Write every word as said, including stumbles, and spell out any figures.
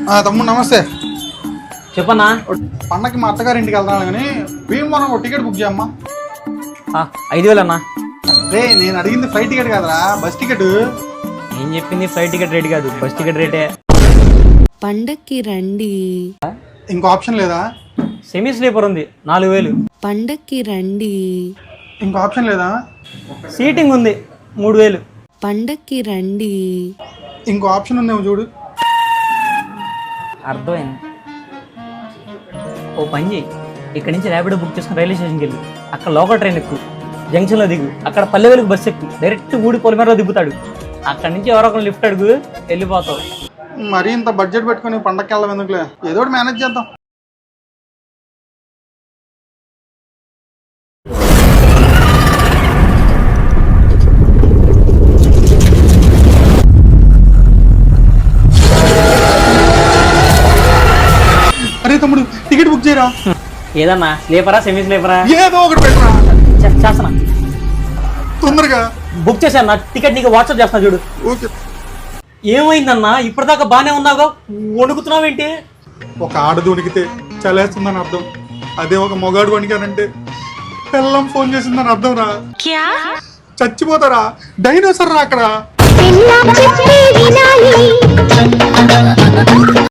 తమ్ముడు నమస్తే. చెప్పన్నా. పండగకి మా అత్తగారి ఇంటికి వెళ్తాను కానీ భీమవరం ఒక టికెట్ బుక్ చేయమ్మా. ఐదు వేలు అన్నా. రే నేను అడిగింది ఫ్లైట్ టికెట్ కాదురా, బస్ టికెట్. నేను చెప్పింది ఫ్లైట్ టికెట్ రేట్ కాదు, బస్ టికెట్ రేటే. పండక్కి రండి. ఇంకో ఆప్షన్ లేదా? సెమీ స్లీపర్ ఉంది నాలుగు వేలు. పండక్కి రండి. ఇంకో ఆప్షన్ లేదా? సీటింగ్ ఉంది మూడు వేలు. పండక్కి రండి. ఇంకో ఆప్షన్ ఉందేమో చూడు. అర్థమైంది. ఓ పని చేయి, ఇక్కడ నుంచి ర్యాపిడో బుక్ చేసుకుని రైల్వే స్టేషన్కి వెళ్ళి అక్కడ లోకల్ ట్రైన్ ఎక్కువ, జంక్షన్లో దిగు, అక్కడ పల్లెవేలకు బస్సు ఎక్కువ, డైరెక్ట్ ఊడి పొలిమేరలో దిగుతాడు. అక్కడ నుంచి ఎవరో ఒకరు లిఫ్ట్ అడుగు, వెళ్ళిపోతావు. మరీ ఇంత బడ్జెట్ పెట్టుకుని పండగకి వెళ్ళాం ఎందుకులే, ఏదో ఒకటి మేనేజ్ చేద్దాం. అరే తమ్ముడు టికెట్ బుక్ చేయరా. ఏదన్నా స్లీపరా సెమీ స్లీపరా? ఏదో ఒకటి పెట్టరా. చేస్తానా, తొందరగా బుక్ చేశాను. నా టికెట్ నీకు వాట్సాప్ చేస్తున్నా చూడు. ఓకే. ఏమైందన్నా, ఇప్పటిదాకా బానే ఉన్నాగా, వణుకుతున్నావేంటి? ఒక ఆడది వణికితే చలేస్తుందని అర్థం, అదే ఒక మొగాడు వణికానంటే పిల్లం ఫోన్ చేసిందని అర్థం రా. చచ్చిపోతారా, డైనోసర్ రా అక్కడ.